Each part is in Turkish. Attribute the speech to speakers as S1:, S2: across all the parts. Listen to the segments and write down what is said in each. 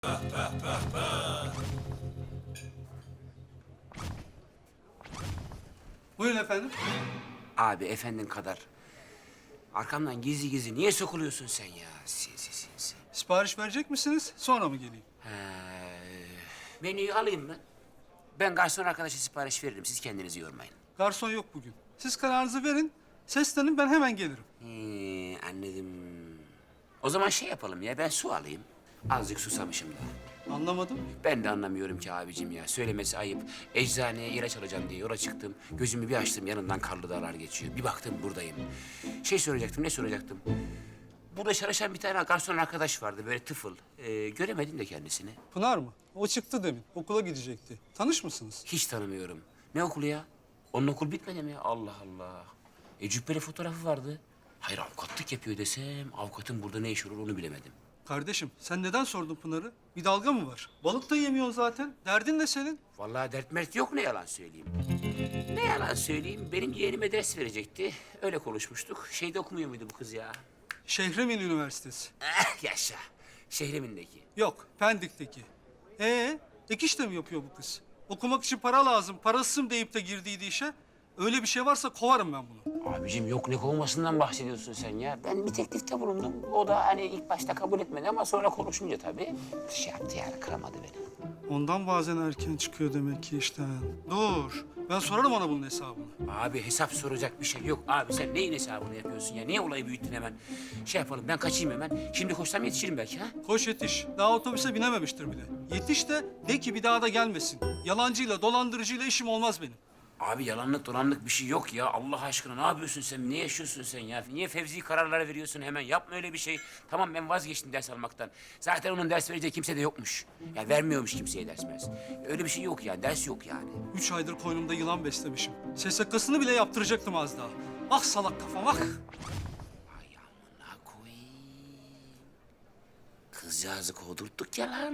S1: Buyurun efendim.
S2: Abi efendin kadar. Arkamdan gizli gizli niye sokuluyorsun sen ya? Sinsi.
S1: Sipariş verecek misiniz? Sonra mı geleyim?
S2: Menüyü alayım mı? Ben garson arkadaşa sipariş veririm. Siz kendinizi yormayın.
S1: Garson yok bugün. Siz kararınızı verin. Seslenin, ben hemen gelirim.
S2: Anladım. O zaman şey yapalım ya, ben su alayım. Azıcık susamışım da.
S1: Anlamadım.
S2: Ben de anlamıyorum ki abicim ya. Söylemesi ayıp. Eczaneye ilaç alacağım diye yola çıktım. Gözümü bir açtım, yanından karlı dağlar geçiyor. Bir baktım buradayım. Ne soracaktım? Burada çalışan bir tane garson arkadaş vardı, böyle tıfıl. Göremedim de kendisini.
S1: Pınar mı? O çıktı demin. Okula gidecekti. Tanış mısınız?
S2: Hiç tanımıyorum. Ne okulu ya? Onun okul bitmedi mi ya? Allah Allah. Cübbeli fotoğrafı vardı. Hayır, avukatlık yapıyor desem, avukatın burada ne iş olur onu bilemedim.
S1: Kardeşim, sen neden sordun Pınar'ı? Bir dalga mı var? Balık da yemiyorsun zaten. Derdin ne senin?
S2: Vallahi dert mert yok, ne yalan söyleyeyim. Ne yalan söyleyeyim, benim yeğenime ders verecekti. Öyle konuşmuştuk. Şeyde okumuyor muydu bu kız ya?
S1: Şehremin Üniversitesi.
S2: Yaşa. Şehrimindeki.
S1: Yok, Pendik'teki. Ek iş de mi yapıyor bu kız? Okumak için para lazım, parasızım deyip de girdiydi işe. Öyle bir şey varsa kovarım ben bunu.
S2: Abicim yok, ne kovmasından bahsediyorsun sen ya? Ben bir teklifte bulundum. O da hani ilk başta kabul etmedi ama sonra konuşunca tabii şey yaptı yani, kıramadı beni.
S1: Ondan bazen erken çıkıyor demek ki işten. Dur, ben sorarım ona bunun hesabını.
S2: Abi hesap soracak bir şey yok. Abi sen neyin hesabını yapıyorsun ya? Niye olayı büyüttün hemen? Şey yapalım, ben kaçayım hemen. Şimdi koşsam yetişirim belki ha?
S1: Koş yetiş. Daha otobüse binememiştir bile. Yetiş de ki bir daha da gelmesin. Yalancıyla, dolandırıcıyla işim olmaz benim.
S2: Abi yalanlık dolanlık bir şey yok ya. Allah aşkına ne yapıyorsun sen? Ne yaşıyorsun sen ya? Niye fevzi kararlar veriyorsun hemen? Yapma öyle bir şey. Tamam, ben vazgeçtim ders almaktan. Zaten onun ders vereceği kimse de yokmuş. Ya vermiyormuş kimseye ders mers. Öyle bir şey yok yani. Ders yok yani.
S1: 3 aydır koynumda yılan beslemişim. SSK'sını bile yaptıracaktım az daha. Ah salak kafam ah.
S2: Ay amına koyayım. Kızcağızı kovdurttuk ya lan.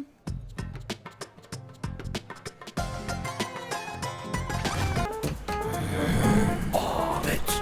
S2: Evet.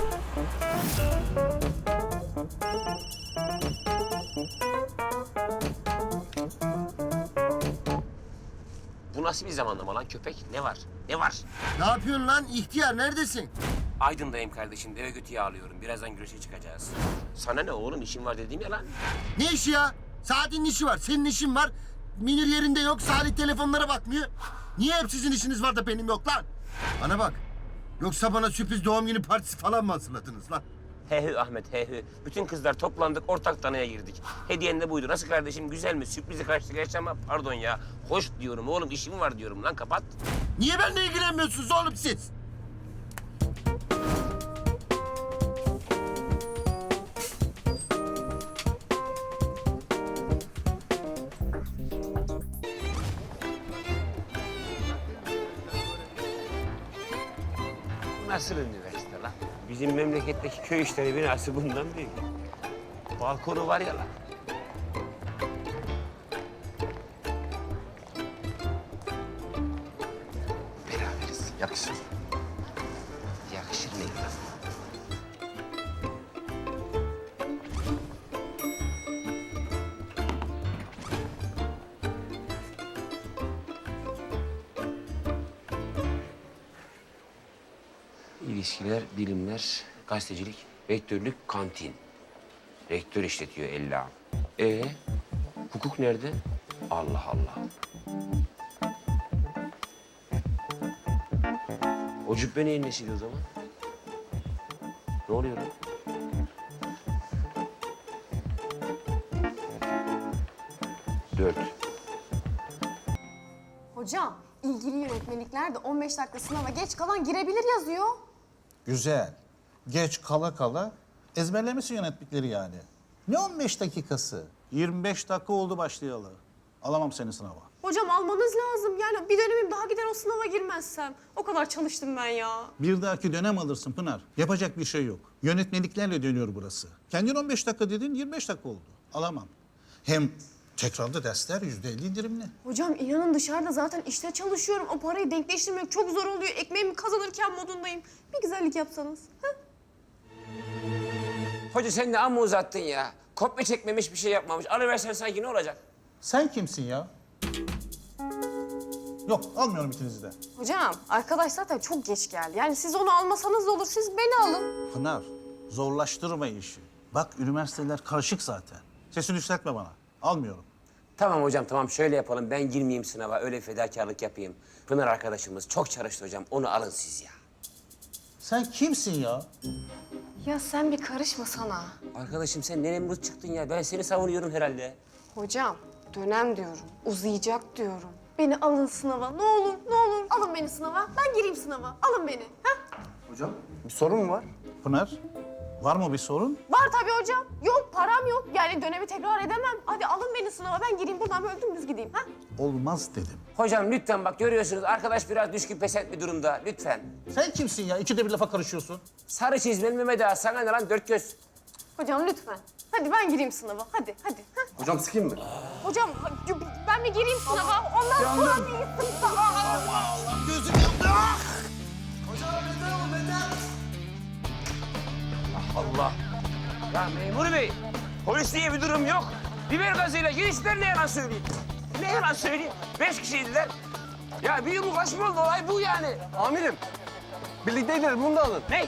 S2: Bu nasıl bir zamanlama lan köpek? Ne var? Ne var?
S3: Ne yapıyorsun lan ihtiyar neredesin?
S2: Aydın'dayım kardeşim. Deve götüye ağlıyorum. Birazdan güreşe çıkacağız. Sana ne oğlum? İşim var dediğim ya lan.
S3: Ne işi ya? Saadet'in işi var, senin işin var. Münir yerinde yok, Salih telefonlara bakmıyor. Niye hep sizin işiniz var da benim yok lan? Bana bak. Yoksa bana sürpriz doğum günü partisi falan mı hazırladınız lan?
S2: He Ahmet he. Bütün kızlar toplandık, ortak tanıya girdik. Hediyen de buydu. Nasıl kardeşim, güzel mi? Sürprizi kaçtı geç ama pardon ya. Hoş diyorum oğlum, işim var diyorum lan, kapat.
S3: Niye benimle ilgilenmiyorsunuz oğlum siz?
S2: Nasıl üniversite lan? Bizim memleketteki köy işleri binası bundan büyük. Balkonu var ya lan. Beraberiz. Yakışır. Yakışır mı lan? İlişkiler, bilimler, gazetecilik, rektörlük, kantin. Rektör işletiyor ella. Hukuk nerede? Allah Allah. O cübbe neyin nesiydi o zaman? Ne oluyor lan? Dört.
S4: Hocam, ilgili yönetmelikler de 15 dakika sınava geç kalan girebilir yazıyor.
S5: Güzel. Geç kala kala ezberlemişsin yönettikleri yani. Ne 15 dakikası? 25 dakika oldu başlayalı. Alamam seni sınava.
S4: Hocam almanız lazım. Yani bir dönemim daha gider o sınava girmezsem. O kadar çalıştım ben ya.
S5: Bir dahaki dönem alırsın Pınar. Yapacak bir şey yok. Yönetmeliklerle dönüyor burası. Kendin 15 dakika dedin, 25 dakika oldu. Alamam. Hem tekrarda dersler %50 indirimli.
S4: Hocam inanın dışarıda zaten işte çalışıyorum. O parayı denkleştirmek çok zor oluyor. Ekmeğimi kazanırken modundayım. Bir güzellik yapsanız. Ha?
S2: Hoca sen de amma uzattın ya. Kopya çekmemiş, bir şey yapmamış. Alıversen sanki ne olacak?
S5: Sen kimsin ya? Yok, almıyorum ikinizi de.
S4: Hocam arkadaş zaten çok geç geldi. Yani siz onu almasanız da olur. Siz beni alın.
S5: Pınar, zorlaştırma işi. Bak üniversiteler karışık zaten. Sesini yükseltme bana. Almıyorum.
S2: Tamam hocam tamam şöyle yapalım. Ben girmeyeyim sınava öyle fedakarlık yapayım. Pınar arkadaşımız çok çalıştı hocam. Onu alın siz ya.
S5: Sen kimsin ya?
S4: Ya sen bir karışma sana.
S2: Arkadaşım sen ne Nemrut çıktın ya. Ben seni savunuyorum herhalde.
S4: Hocam dönem diyorum. Uzayacak diyorum. Beni alın sınava. Ne olur, ne olur. Alın beni sınava. Ben gireyim sınava. Alın beni. Ha?
S2: Bir sorun mu var?
S5: Pınar, var mı bir sorun?
S4: Var tabii hocam. Yok param yok. Yani dönemi tekrar edemem. Hadi alın beni sınava. Ben gireyim buradan böyle dümdüz gideyim. Ha?
S5: Olmaz dedim.
S2: Hocam lütfen bak görüyorsunuz arkadaş biraz düşkün pesent bir durumda. Lütfen.
S5: Sen kimsin ya? İkide bir lafa karışıyorsun.
S2: Sarı çizmeli Mehmet Ağa sana ne lan dört göz.
S4: Hocam lütfen. Hadi ben gireyim sınava. Hadi, hadi. Ha?
S6: Hocam sıkayım mı?
S4: Hocam ben bir gireyim sınava. Ondan sonra bir gitsin.
S3: Gözüm yandı.
S2: Allah. Ya memur bey, polis diye bir durum yok. Biber gazıyla girişler ne yalan söyleyeyim. Ne yalan söyleyeyim. 5 kişiydiler. Ya bir yumruk açma oldu olay bu yani.
S6: Amirim. Birlikteydiler bunu da alın.
S2: Ne?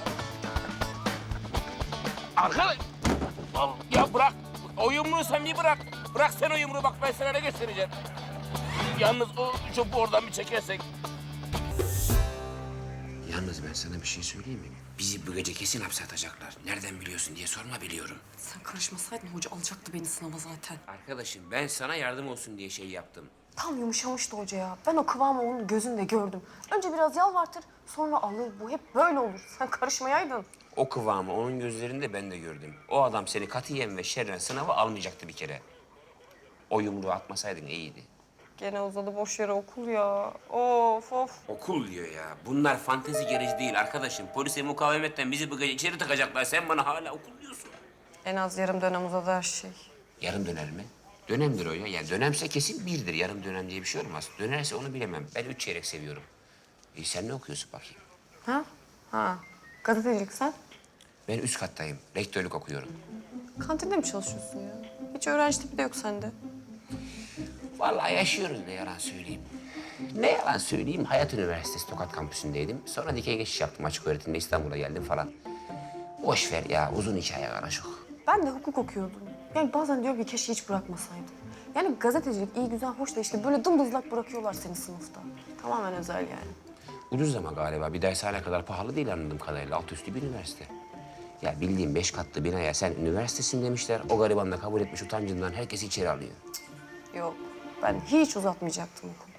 S2: Arkadaş. Ya bırak. O yumruğu sen bir bırak. Bırak sen o yumruğu bak ben sana ne göstereceğim. Yalnız o çöpü oradan bir çekersek. Yalnız ben sana bir şey söyleyeyim mi? Bizi bu gece kesin hapse atacaklar. Nereden biliyorsun diye sorma biliyorum.
S7: Sen karışmasaydın hoca alacaktı beni sınava zaten.
S2: Arkadaşım ben sana yardım olsun diye şey yaptım.
S4: Tam yumuşamıştı hoca ya. Ben o kıvamı onun gözünde gördüm. Önce biraz yalvartır, sonra alır. Bu hep böyle olur. Sen karışmayaydın.
S2: O kıvamı onun gözlerinde ben de gördüm. O adam seni katiyen ve şerren sınava almayacaktı bir kere. O yumruğu atmasaydın iyiydi.
S7: Gene uzadı boş yere okul ya. Of of.
S2: Okul diyor ya. Bunlar fantezi gereci değil arkadaşım. Polise mukavemetten bizi bu gece içeri takacaklar. Sen bana hala okul diyorsun.
S7: En az yarım dönem uzadı her şey.
S2: Yarım döner mi? Dönemdir o ya. Yani dönemse kesin birdir. Yarım dönem diye bir şey olmaz. Dönerse onu bilemem. Ben 3 çeyrek seviyorum. Sen ne okuyorsun bakayım?
S7: Ha? Ha. Gazetecilik sen?
S2: Ben üst kattayım. Rektörlük okuyorum.
S7: Kantinde mi çalışıyorsun ya? Hiç öğrenci tipi de yok sende.
S2: Vallahi yaşıyoruz ne yalan söyleyeyim. Ne yalan söyleyeyim, Hayat Üniversitesi Tokat Kampüsü'ndeydim. Sonra dikey geçiş yaptım açık öğretimde İstanbul'a geldim falan. Boş ver ya, uzun hikaye karışık.
S4: Ben de hukuk okuyordum. Yani bazen diyorum ki keşke hiç bırakmasaydım. Yani gazetecilik iyi güzel hoş da işte böyle dımdızlak bırakıyorlar seni sınıfta. Tamamen özel yani.
S2: Ucuz ama galiba, bir dershane kadar pahalı değil anladığım kadarıyla. Alt üstü bir üniversite. Ya bildiğim 5 katlı binaya sen üniversitesin demişler. O gariban da kabul etmiş utancından herkesi içeri alıyor.
S7: Yok. Ben hiç uzatmayacaktım okulu.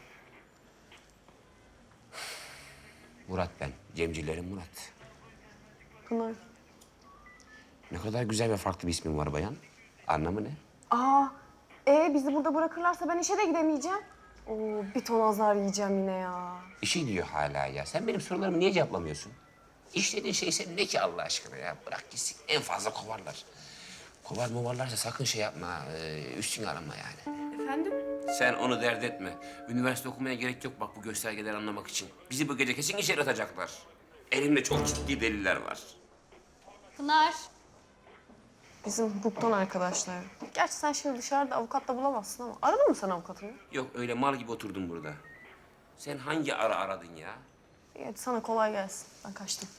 S2: Murat ben, Cemcilerin Murat.
S7: Pınar.
S2: Ne kadar güzel ve farklı bir ismin var bayan. Anlamı ne?
S4: Bizi burada bırakırlarsa ben işe de gidemeyeceğim. Oo, bir ton azar yiyeceğim yine ya.
S2: İşi diyor hala ya. Sen benim sorularımı niye cevaplamıyorsun? İşlediğin şey senin ne ki Allah aşkına ya? Bırak gitsin. En fazla kovarlar. Kovar movarlarsa sakın şey yapma. Üstüne alınma yani.
S4: Efendim?
S2: Sen onu dert etme. Üniversite okumaya gerek yok bak bu göstergeleri anlamak için. Bizi bu gece kesin içeri atacaklar. Elimde çok ciddi deliller var.
S4: Pınar. Bizim hukuktan arkadaşlar. Gerçi sen şimdi dışarıda avukat da bulamazsın ama aradın mı sen avukatını?
S2: Yok öyle mal gibi oturdum burada. Sen hangi ara aradın ya?
S4: İyi, hadi sana kolay gelsin. Ben kaçtım.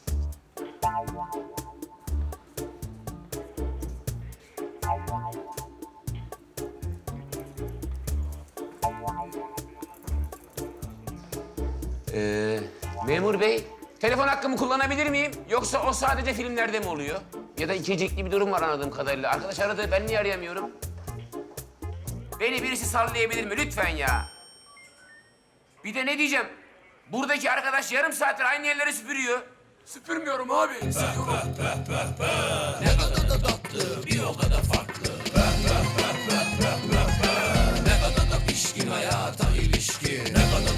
S2: Memur bey, telefon hakkımı kullanabilir miyim? Yoksa o sadece filmlerde mi oluyor? Ya da ikicikli bir durum var anladığım kadarıyla. Arkadaş aradı, ben niye arayamıyorum? Beni birisi sallayabilir mi lütfen ya? Bir de ne diyeceğim? Buradaki arkadaş yarım saattir aynı yerleri süpürüyor. Süpürmüyorum abi, siliyorum.